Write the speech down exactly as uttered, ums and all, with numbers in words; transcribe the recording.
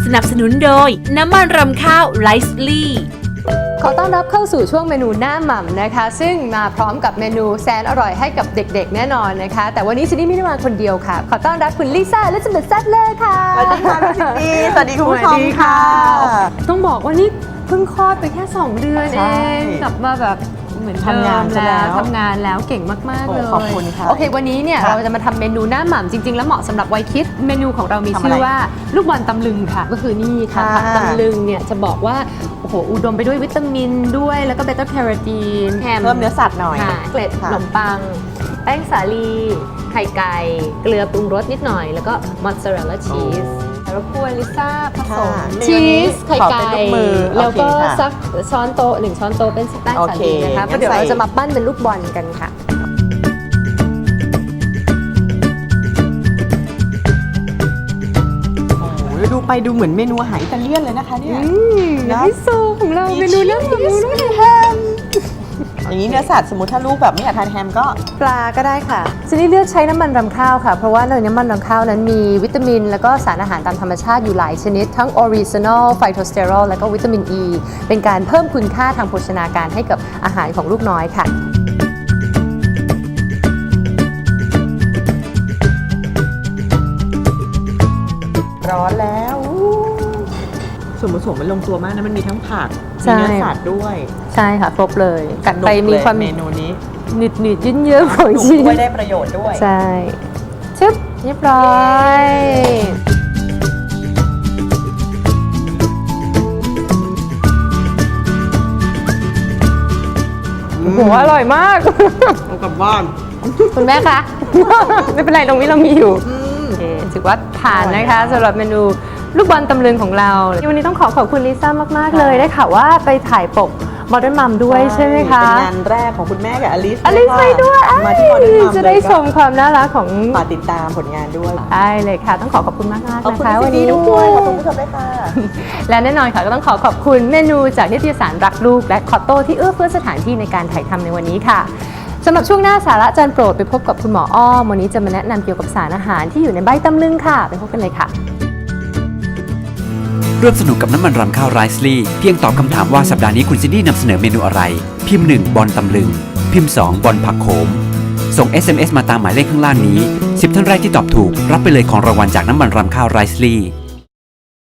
สนับสนุนโดยน้ำมันรำข้าวไรซ์ลี่ขอต้อนรับเข้าสู่ช่วงเมนูหน้าหม่ำนะคะซึ่งมาพร้อมกับเมนูแสนอร่อยให้กับเด็กๆแน่นอนนะคะแต่วันนี้ซินดี้ไม่ได้มาคนเดียวค่ะขอต้อนรับคุณลิซ่าและสมเด็จแซ่บเลยค่ะสวัสดีค่ะพี่ซินดี้สวัสดีคุณผู้ชมค่ะต้องบอกว่านี่เพิ่งคลอดไปแค่สองเดือนเองกลับมาแบบเหมือนทำงานแล้วทำงานแล้วเก่งมากๆเลยขอบคุณค่ะโอเควันนี้เนี่ยเราจะมาทำเมนูหน้าหม่ำจริงๆแล้วเหมาะสำหรับวัยคิดเมนูของเรามีชื่อว่าลูกบอลตำลึงค่ะก็คือนี่ค่ะผักตำลึงเนี่ยจะบอกว่าโอ้โหอุดมไปด้วยวิตามินด้วยแล้วก็เบต้าแคโรทีนแฮมเพิ่มเนื้อสัตว์หน่อยเกล็ดขนมปังแป้งสาลีไข่ไก่เกลือปรุงรสนิดหน่อยแล้วก็มอสซาเรลลาชีสแล้วกวนลิซ่าผสมชีสไข่ไก่แล้วก็สักช้อนโต๊ะหนึ่งช้อนโต๊ะเป็นแป้งสาลีนะคะเพราะเดี๋ยวเราจะมาปั้นเป็นลูกบอลกันค่ะดูไปดูเหมือนเมนูอาหารอิตาเลียนเลยนะคะเนี่ยมิโซะของเราเมนูน้ำมันแฮมอย่างนี้เนื้อสัตว์สมมติถ้าลูกแบบไม่อยากทานแฮมก็ปลาก็ได้ค่ะซินดี้เลือกใช้น้ำมันรำข้าวค่ะเพราะว่าในน้ำมันรำข้าวนั้นมีวิตามินแล้วก็สารอาหารตามธรรมชาติอยู่หลายชนิดทั้งออริจินอลไฟโตสเตอรอลและก็วิตามินอ e, ีเป็นการเพิ่มคุณค่าทางโภชนาการให้กับอาหารของลูกน้อยค่ะร้อนแล้วส่วนผสมมันลงตัวมากนะมันมีทั้งผักมีเนื้อสัตว์ด้วยใช่ค่ะครบเลยกัดไปมีความเมนูนี้หนืดหนืดยืดเยื้อของชีสด้วยได้ประโยชน์ด้วยใช่ชึบเรียบร้อยโอ้โหอร่อยมากเอากลับบ้านคุณแม่คะไม่เป็นไรตรงนี้เรามีอยู่ถือว่าผ่านนะคะสำหรับเมนูลูกบอลตำลึงของเราวันนี้ต้องขอขอบคุณลิซ่ามากๆเลยได้ข่าวว่าไปถ่ายปก Modern Mom ด้วยใช่ไหมคะเป็นงานแรกของคุณแม่กับอลิซอลิซไปด้วยมาที่ Modern Mom จะได้ชมความน่ารักของฝากติดตามผลงานด้วยได้เลยค่ะต้องขอขอบคุณมากๆนะคะวันนี้ด้วยขอบคุณผู้ชมด้วยค่ะและแน่นอนค่ะก็ต้องขอขอบคุณเมนูจากนิตยสารรักลูกและคอตโต้ที่เอื้อเฟื้อสถานที่ในการถ่ายทำในวันนี้ค่ะสำหรับช่วงหน้าสาระจานโปรดไปพบกับคุณหมออ้อมวันนี้จะมาแนะนำเกี่ยวกับสารอาหารที่อยู่ในใบตำลึงค่ะไปพบกันเลยค่ะร่วมสนุกกับน้ำมันรำข้าวไรซ์ลี่เพียงตอบคำถามว่าสัปดาห์นี้คุณซินดี้นำเสนอเมนูอะไรพิมพ์หนึ่งบอลตำลึงพิมพ์สองบอลผักโขมส่ง เอส เอ็ม เอส มาตามหมายเลขข้างล่างนี้สิบท่านแรกที่ตอบถูกรับไปเลยของรางวัลจากน้ำมันรำข้าวไรซ์ลี่